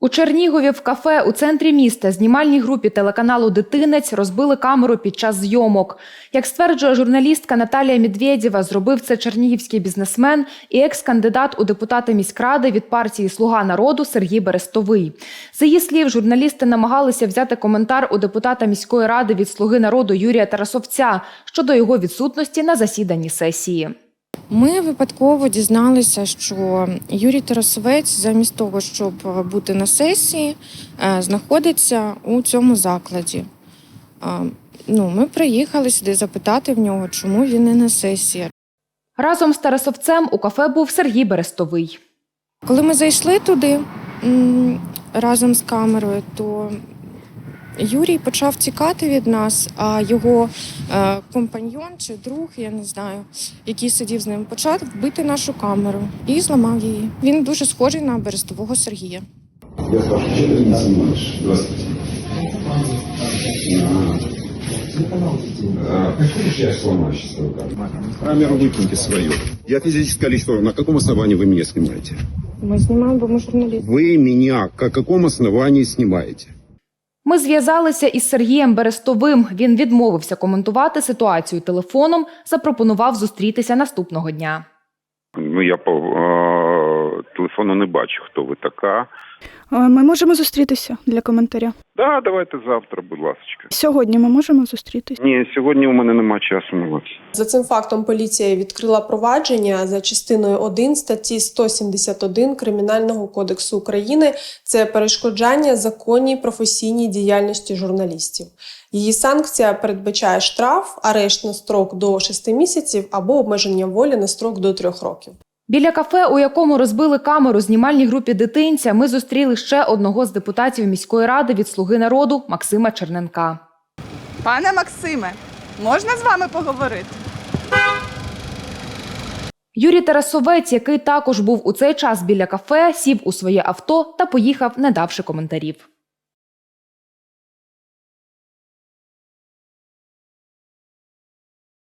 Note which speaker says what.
Speaker 1: У Чернігові в кафе у центрі міста знімальній групі телеканалу «Дитинець» розбили камеру під час зйомок. Як стверджує журналістка Наталія Медведєва, зробив це чернігівський бізнесмен і екс-кандидат у депутати міськради від партії «Слуга народу» Сергій Берестовий. За її слів, журналісти намагалися взяти коментар у депутата міської ради від «Слуги народу» Юрія Тарасовця щодо його відсутності на засіданні сесії.
Speaker 2: Ми випадково дізналися, що Юрій Тарасовець замість того, щоб бути на сесії, знаходиться у цьому закладі. Ми приїхали сюди запитати в нього, чому він не на сесії.
Speaker 1: Разом з Тарасовцем у кафе був Сергій Берестовий.
Speaker 2: Коли ми зайшли туди разом з камерою, то Юрій почав тікати від нас, а його компаньйон чи друг, я не знаю, який сидів з ним, почав бити нашу камеру і зламав її. Він дуже схожий на Берестового Сергія.
Speaker 3: Я спрашиваю, что ты не снимаешь? Здравствуйте. Хочешь, я сломаю сейчас твою камеру? Камеру выкиньте свою. Я физическое лицо. На каком основании вы меня снимаете?
Speaker 2: Ми знімаємо, бо ми журналісти.
Speaker 3: Вы меня на каком основании снимаете?
Speaker 1: Ми зв'язалися із Сергієм Берестовим. Він відмовився коментувати ситуацію телефоном, запропонував зустрітися наступного дня.
Speaker 4: Я по телефону не бачу, хто ви така.
Speaker 5: Ми можемо зустрітися для коментаря.
Speaker 4: Да, давайте завтра, будь ласка.
Speaker 5: Сьогодні ми можемо зустрітися?
Speaker 4: Ні, сьогодні у мене немає часу на вас.
Speaker 6: За цим фактом поліція відкрила провадження за частиною 1 статті 171 Кримінального кодексу України. Це перешкоджання законній професійній діяльності журналістів. Її санкція передбачає штраф, арешт на строк до 6 місяців або обмеження волі на строк до 3 років.
Speaker 1: Біля кафе, у якому розбили камеру знімальній групі «Дитинця», ми зустріли ще одного з депутатів міської ради від «Слуги народу» Максима Черненка.
Speaker 7: Пане Максиме, можна з вами поговорити?
Speaker 1: Юрій Тарасовець, який також був у цей час біля кафе, сів у своє авто та поїхав, не давши коментарів.